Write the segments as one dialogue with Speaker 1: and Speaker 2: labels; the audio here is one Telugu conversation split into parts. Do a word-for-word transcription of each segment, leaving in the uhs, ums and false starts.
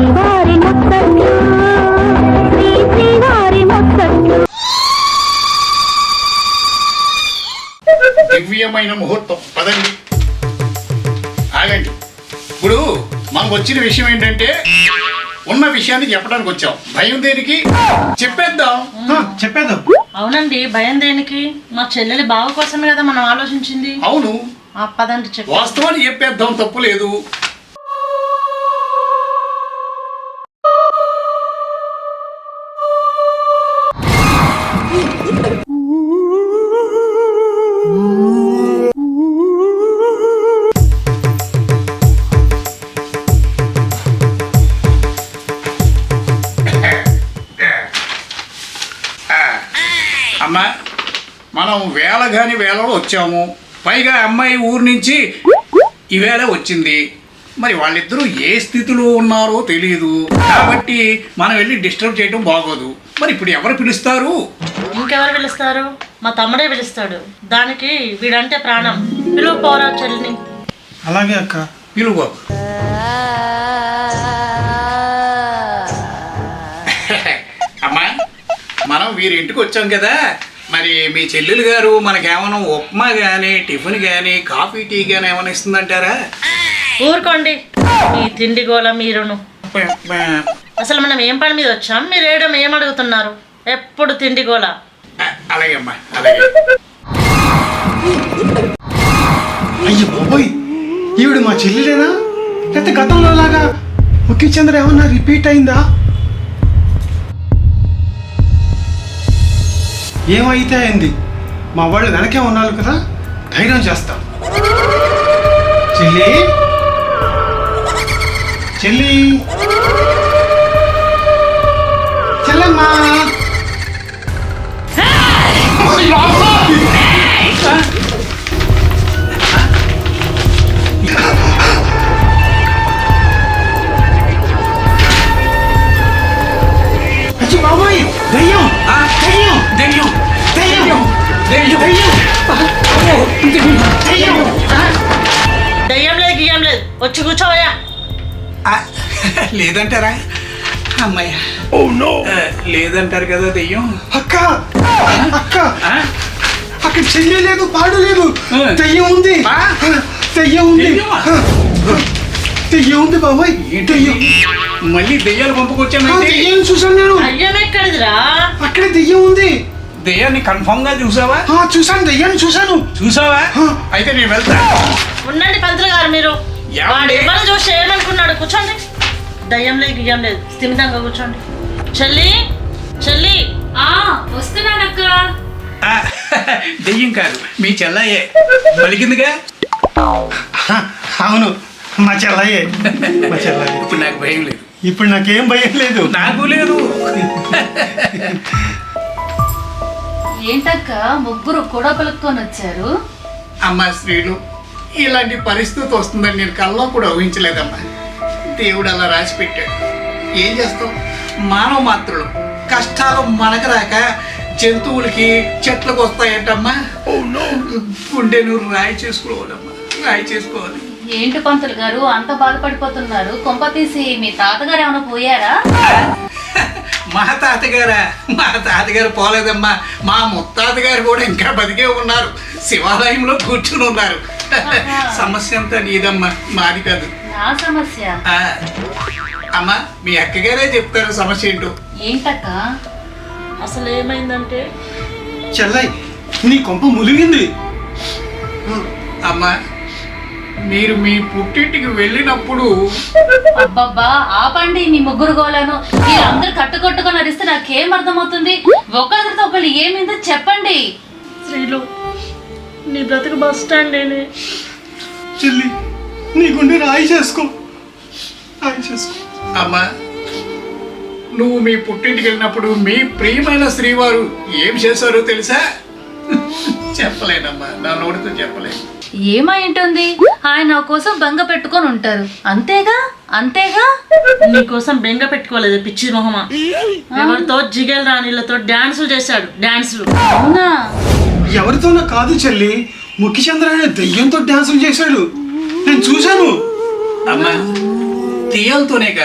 Speaker 1: శ్రీవారి ముత్తట్లు శ్రీ శ్రీవారి ముత్తట్లు.
Speaker 2: దివ్యమైన ముహూర్తం పదండి. ఆగండి. ఇప్పుడు మనకు వచ్చిన విషయం ఏంటంటే ఉన్న విషయాన్ని చెప్పడానికి వచ్చాం. భయం దేనికి? చెప్పేద్దాం.
Speaker 3: చెప్పేద్దాం.
Speaker 4: అవునండి, భయం దేనికి? మా చెల్లెలి బావ కోసమే కదా మనం ఆలోచించింది.
Speaker 2: అవును,
Speaker 4: పదండి చెప్పు.
Speaker 2: వాస్తవాన్ని చెప్పేద్దాం, తప్పు లేదు. అమ్మా, మనం వేళ కాని వేళలో వచ్చాము. పైగా అమ్మాయి ఊరు నుంచి ఈవేళ వచ్చింది. మరి వాళ్ళిద్దరూ ఏ స్థితిలో ఉన్నారో తెలియదు. కాబట్టి మనం వెళ్ళి డిస్టర్బ్ చేయడం బాగోదు. మరి ఇప్పుడు ఎవరు పిలుస్తారు?
Speaker 4: ఇంకెవరు పిలుస్తారు? మా తమ్ముడే పిలుస్తాడు. దానికి వీడంటే ప్రాణం. పిలువు పోరా చెల్లిని.
Speaker 3: అలాగే అక్క.
Speaker 2: పిలువు. అమ్మా, మనం వీరి ఇంటికి వచ్చాం కదా. మరి మీ చెల్లెలు గారు మనకేమైనా ఉప్మా కానీ టిఫిన్ కానీ కాఫీ టీ కానీ ఏమైనా ఇస్తుందంటారా?
Speaker 4: ఊరుకోండి, ఈ తిండి గోల మీరును. అసలు మనం ఏం పని మీద వచ్చాం? మీరు ఏడం ఏం అడుగుతున్నారు? ఎప్పుడు తిండి గోల.
Speaker 2: అలాగే అమ్మా, అలాగే.
Speaker 3: అయ్యో బాబోయ్, ఈవిడ మా చెల్లెలేనా? లేకపోతే గతంలో లాగా ముఖ్య చంద్ర ఏమన్నా రిపీట్ అయిందా? ఏమైతే అయింది, మా వాళ్ళు వెనకే ఉన్నారు కదా, ధైర్యం చేస్తాం. చెల్లి చెల్లి చెల్లమ్మా. అచ్చి బాబోయ్, దయ్యం దయ్యం
Speaker 2: దెయ్యం
Speaker 3: దయ్యం
Speaker 2: దెయ్యం
Speaker 3: దయ్యం.
Speaker 4: దయ్యం లేదు గియ్యం లేదు, వచ్చి కూర్చోవయ్యా.
Speaker 2: లేదంటారా? అమ్మాయ లేదంటారు కదా దెయ్యం.
Speaker 3: అక్క అక్క, అక్కడ చెల్లి లేదు, పాడు లేదు, దయ్యం ఉంది. దయ్యం ఉంది, దయ్యం ఉంది బాబాయ్. దయ్యం.
Speaker 2: మళ్ళీ దెయ్యాలు పంపుకొచ్చాను.
Speaker 3: దయ్యం చూసాను నేను.
Speaker 4: దయ్యం ఎక్కడిదిరా?
Speaker 3: అక్కడే దయ్యం ఉంది.
Speaker 2: దెయ్యాన్ని కన్ఫర్మ్ గా చూసావా?
Speaker 3: చూసాను, దయ్యాన్ని చూసాను.
Speaker 2: చూసావా? అయితే నేను వెళ్తా.
Speaker 4: ఉండండి పంతులు గారు, మీరు
Speaker 2: ఏమండి?
Speaker 4: ఎవరు చూసి ఏమనుకున్నాడు? కూర్చోండి. దయ్యం లేదు గియ్యం లేదు, స్థిమితంగా కూర్చోండి. చెల్లి చెల్లి.
Speaker 5: వస్తున్నానక్క.
Speaker 2: దెయ్యం కాదు, మీ చెల్లయ్యే పలికిందిగా.
Speaker 3: అవును, మా చెల్లయ్యే. మా చెల్లయ్యే.
Speaker 2: ఇప్పుడు నాకు భయం లేదు.
Speaker 3: ఇప్పుడు నాకేం భయం లేదు.
Speaker 2: నాకు లేదు.
Speaker 5: ఏంటక్క ముగ్గురు కూడా పలుక్కొని వచ్చారు?
Speaker 2: అమ్మా శ్రీలు, ఇలాంటి పరిస్థితి వస్తుందని నేను కల్లో కూడా ఊహించలేదమ్మా. దేవుడు అలా రాసి పెట్టాడు. ఏం చేస్తాం, మానవ మాత్రులు. కష్టాలు మనకు రాక జంతువులకి చెట్లకు వస్తాయంటమ్మా. గుండె నువ్వు రాయి చేసుకోవాలమ్మా, రాయి చేసుకోవాలి.
Speaker 5: ఏంటి పంతులు గారు అంత బాధపడిపోతున్నారు? కొంప తీసి మీ తాతగారు ఏమైనా పోయారా?
Speaker 2: మా తాతగారా? మా తాతగారు పోలేదమ్మా. మా ముత్తాతగారు కూడా ఇంకా బతికే ఉన్నారు. శివాలయంలో కూర్చుని ఉన్నారు. సమస్య అంతా నీదమ్మా, మాది కాదు.
Speaker 5: నా సమస్య?
Speaker 2: అమ్మా, మీ అక్కగారే చెప్తారు సమస్య ఏంటో.
Speaker 5: ఏంటక్క?
Speaker 4: అసలు ఏమైందంటే,
Speaker 3: చెల్లయ్, నీ కొంప ములిగింది.
Speaker 2: అమ్మా, మీరు మీ పుట్టింటికి వెళ్ళినప్పుడు.
Speaker 5: అబ్బబ్బా ఆపండి మీ ముగ్గురు గోలను. మీరు అందరు కట్టుకొట్టుకొని అరిస్తే నాకేం అర్థమవుతుంది? ఒకరితో ఒకళ్ళు ఏమైందో చెప్పండి.
Speaker 4: శ్రీలు, నీ బ్రతుకు బస్ స్టాండ్ ఏనే.
Speaker 3: చెల్లి, నీ గుండె రాయి చేసుకో, రాయి చేసుకో.
Speaker 2: అమ్మా, నువ్వు మీ పుట్టింటికి వెళ్ళినప్పుడు మీ ప్రియమైన శ్రీవారు ఏం చేశారో తెలుసా? చెప్పలేనమ్మా, నా నోటితో చెప్పలేను.
Speaker 5: ఏమై ఉంటుంది? ఆయన నా కోసం బెంగ పెట్టుకొని ఉంటారు, అంతేగా అంతేగా.
Speaker 4: నీకోసం బెంగ పెట్టుకోలేదు పిచ్చి మొహమా. ఎవరితో జిగేల్ రాణిలతో డాన్సులు చేశాడు, డాన్సులు.
Speaker 5: అవునా?
Speaker 3: ఎవరితోనో కాదు చెల్లి, ముఖ్యచంద్ర అనే దెయ్యంతో డాన్సులు చేశాడు, నేను చూశాను.
Speaker 2: అమ్మా, దెయ్యాలతోనే కాదు,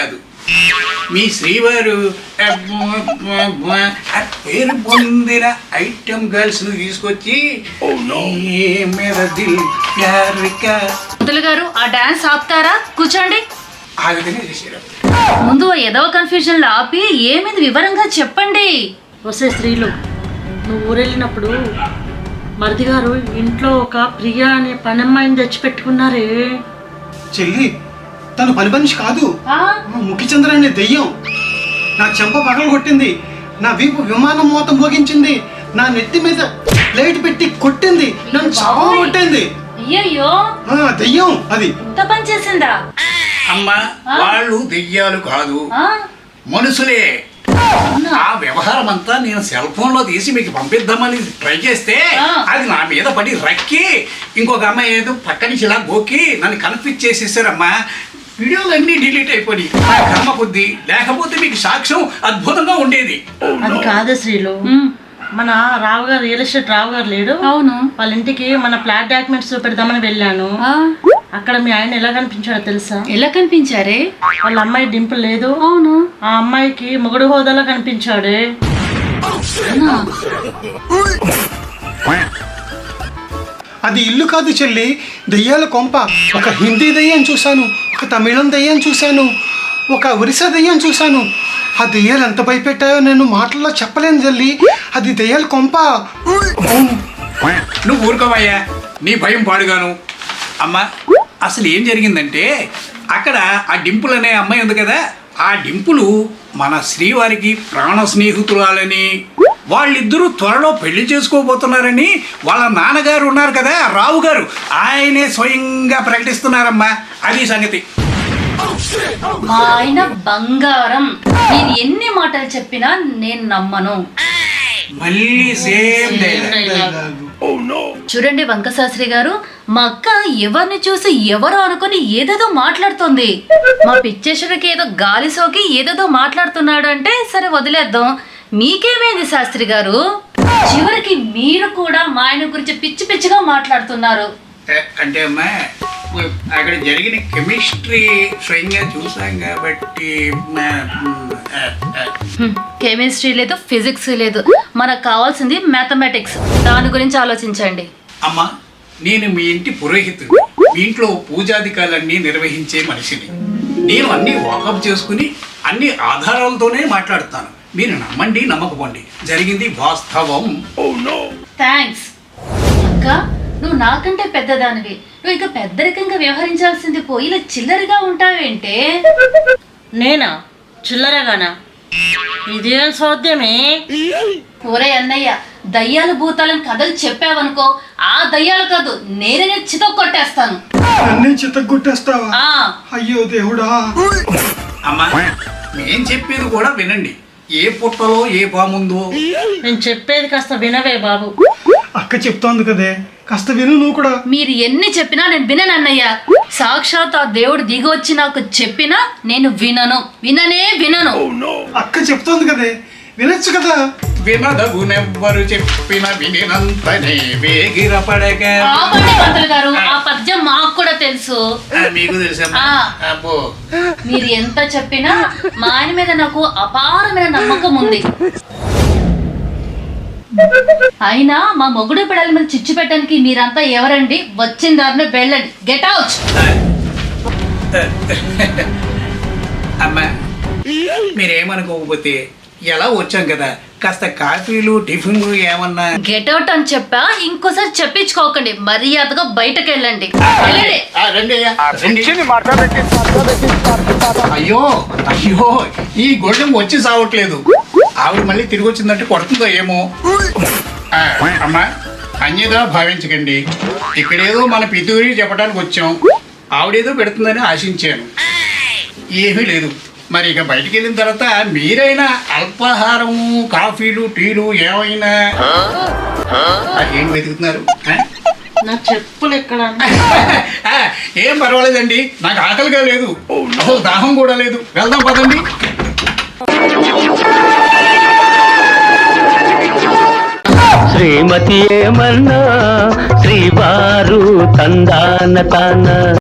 Speaker 2: మీ శ్రీవారు ఆ, ఆ పేరు పొందిన ఐటమ్ గర్ల్స్ ను తీసుకొచ్చి ఏ మేర దిల్ ప్యార్ కా
Speaker 5: పంతులు గారు ఆ డాన్స్ ఆపుతారా? కూర్చోండి.
Speaker 2: ఆ విధంగా చేశారు.
Speaker 5: ముందు ఏదో కన్ఫ్యూజన్ లో ఆపి ఏమిది వివరంగా చెప్పండి.
Speaker 4: వసే స్త్రీలు, నువ్వు ఊరెళ్ళినప్పుడు మరిది గారు ఇంట్లో ఒక ప్రియా అనే పనమ్మాయిని తెచ్చిపెట్టుకున్నారే.
Speaker 3: చెల్లి తను పని మనిషి కాదు,
Speaker 5: ఆ?
Speaker 3: ముఖిచంద్ర అనే దెయ్యం. నా చెంప పగలు కొట్టింది, నా వీపు విమానం మోతం మోగించింది, నా నెత్తి మీద ప్లేట్ పెట్టి కొట్టింది, నన్ను చావ కొట్టింది.
Speaker 5: అయ్యయ్యో,
Speaker 3: ఆ, దెయ్యం అది.
Speaker 5: ఇంత పని చేసిందా?
Speaker 2: అమ్మా వాళ్ళు దెయ్యాలు కాదు,
Speaker 5: ఆ?
Speaker 2: మనుషులే.
Speaker 5: అవునా?
Speaker 2: ఆ వ్యవహారం అంతా నేను సెల్ ఫోన్ లో తీసి మీకు పంపిద్దామని ట్రై చేస్తే
Speaker 5: ఆ.
Speaker 2: అది నా మీద పడి రక్కి ఇంకొక అమ్మాయి ఏదో పక్క నుంచి ఇలా గోకి నన్ను కన్ఫ్యూజ్ చేసేసారమ్మా. వీడియోలన్నీ డిలీట్ అయిపోయి నా కర్మ కొద్ది, లేకపోతే మీకు సాక్ష్యం అద్భుతంగా ఉండేది.
Speaker 4: అది కాదు శ్రీలు,
Speaker 5: ఉమ్,
Speaker 4: మన రావు గారు రియల్ ఎస్టేట్ రావు గారు లేడు,
Speaker 5: అవును.
Speaker 4: వాళ్ళ ఇంటికి మన ఫ్లాట్ డాక్యుమెంట్స్ పెడదామని వెళ్ళాను.
Speaker 5: ఆ,
Speaker 4: అక్కడ మీ ఆయన ఎలా కనిపించాడో తెలుసా?
Speaker 5: ఎలా కనిపించారే?
Speaker 4: వాళ్ళ అమ్మాయి డింపుల్ లేదు,
Speaker 5: అవును.
Speaker 4: ఆ అమ్మాయికి మొగుడు హోదాలో కనిపించాడే.
Speaker 5: అవునా?
Speaker 3: అది ఇల్లు కాదు చెల్లి, దెయ్యాల కొంప. ఒక హిందీ దెయ్యం చూశాను, ఒక తమిళం దెయ్యం చూశాను, ఒక ఒరిస్సా దెయ్యం చూశాను. ఆ దెయ్యాలు ఎంత భయపెట్టాయో నేను మాటల్లో చెప్పలేను చెల్లి. అది దెయ్యాల కొంప. అవును.
Speaker 2: నువ్వు ఊరుకోవయ్యా, నీ భయం పాడుగాను. అమ్మా అసలు ఏం జరిగిందంటే అక్కడ ఆ డింపుల్ అనే అమ్మాయి ఉంది కదా, ఆ డింపులు మన శ్రీవారికి ప్రాణ స్నేహితురాలని, వాళ్ళిద్దరూ త్వరలో పెళ్లి చేసుకోబోతున్నారని వాళ్ళ నాన్నగారు ఉన్నారు కదా రావు గారు, ఆయనే స్వయంగా ప్రకటిస్తున్నారమ్మా. అది సంగతి.
Speaker 5: మా ఆయన బంగారం. మీరు ఎన్ని మాటలు చెప్పినా నేను నమ్మను.
Speaker 2: మళ్ళీ సేమ్ డైలాగ్.
Speaker 5: చూడండి వంకశాస్త్రి గారు, మా అక్క ఎవరిని చూసి ఎవరో అనుకుని ఏదేదో మాట్లాడుతుంది. మా పిచ్చేశ్వరికి ఏదో గాలి సోకి ఏదేదో మాట్లాడుతున్నాడు అంటే సరే వదిలేద్దాం. మీకేమైంది శాస్త్రి గారు? చివరికి మీరు కూడా మా ఆయన గురించి పిచ్చి పిచ్చిగా మాట్లాడుతున్నారు.
Speaker 2: అంటే అమ్మా అక్కడ జరిగిన కెమిస్ట్రీ స్వయంగా చూసాం కాబట్టి
Speaker 5: కెమిస్ట్రీ లేదు, ఫిజిక్స్ లేదు, మనకు కావాల్సింది మ్యాథమెటిక్స్. దాని గురించి ఆలోచించండి.
Speaker 2: అమ్మా నేను మీ ఇంటి పురోహితుడు, మీ ఇంట్లో పూజాధికారులన్నీ నిర్వహించే మనిషిని. నేను అన్ని వాకప్ చేసుకుని అన్ని ఆధారాలతోనే మాట్లాడుతాను. మీరు నమ్మండి నమ్మకపోండి, జరిగింది వాస్తవం.
Speaker 5: థ్యాంక్స్ అక్క. నువ్వు నాకంటే పెద్దదానివి, నువ్వు ఇంకా పెద్దరికంగా వ్యవహరించాల్సింది పోయి ఇలా చిల్లరగా ఉంటావేంటే?
Speaker 4: నేనా చిల్లరగానా? ఇదేం సోద్యమే?
Speaker 5: ఒరే అన్నయ్య, దయ్యాలు భూతాలను కథలు చెప్పావనుకో, ఆ దయ్యాలు కాదు నేనే చితో కొట్టేస్తాను.
Speaker 3: అన్నీ చిత్తగొట్టేస్తావా?
Speaker 5: ఆ,
Speaker 3: అయ్యో దేవుడా.
Speaker 2: అమ్మా నేను చెప్పేది కూడా వినండి. ఏ పుట్టలో ఏ పాముందో.
Speaker 4: నేను చెప్పేది కాస్త వినవే బాబు.
Speaker 3: అక్క చెప్తోంది కదే, కాస్త విను నువ్వు కూడా.
Speaker 5: మీరు ఎన్ని చెప్పినా నేను వినను అన్నయ్య. సాక్షాత్ ఆ దేవుడు దిగి వచ్చి నాకు చెప్పినా నేను వినను, విననే వినను.
Speaker 3: అక్క చెప్తోంది కదే, వినొచ్చు కదా.
Speaker 2: వినదగునెవ్వరు చెప్పిన వినినంతనే వేగిరపడక.
Speaker 5: ఆపండి పంతులు గారు, ఆ పద్యం మాకు కూడా తెలుసు.
Speaker 2: ఆ, మీకు తెలుసమ్మా?
Speaker 5: ఆ.
Speaker 2: అబ్బో
Speaker 5: మీరు ఎంత చెప్పినా మా ఆయన మీద నాకు అపారమైన నమ్మకం ఉంది. అయినా మా మొగుడు పిల్లల మీద చిచ్చు పెట్టడానికి మీరంతా ఎవరండి? వచ్చిన దారిని వెళ్ళండి. Get out.
Speaker 2: అమ్మా మీరేమనుకోకపోతే ఎలా వచ్చాం కదా, కాస్త కాఫీలు టిఫిన్లు ఏమన్నా.
Speaker 5: గెట్ అవుట్ అని చెప్పా, ఇంకోసారి చెప్పించుకోకండి. మర్యాదగా బయటకు వెళ్ళండి. వెళ్ళండి.
Speaker 2: ఆ, రండి అయ్యా, రండి. అయ్యో అయ్యో ఈ గొడవ వచ్చి సావట్లేదు. ఆవిడ మళ్ళీ తిరిగి వచ్చిందంటే కొడుతుందో ఏమో. ఆ, అమ్మా అన్యదా భావించకండి. ఇక్కడేదో మన పితూరి చెప్పడానికి వచ్చాం, ఆవిడేదో పెడుతుందని ఆశించాను. ఏమీ లేదు. మరి ఇక బయటికి వెళ్ళిన తర్వాత మీరైనా అల్పాహారము కాఫీలు టీలు ఏమైనా. ఆ, ఏం వెతుకుతున్నారు? ఆ?
Speaker 4: నా చెప్పులు ఎక్కడ?
Speaker 2: ఆ, ఏం పర్వాలేదండి, నాకు ఆకలిగా లేదు, అసలు దాహం కూడా లేదు. వెళ్దాం పదండి.
Speaker 6: శ్రీమతి ఏమన్నా శ్రీవారు తందాన తాన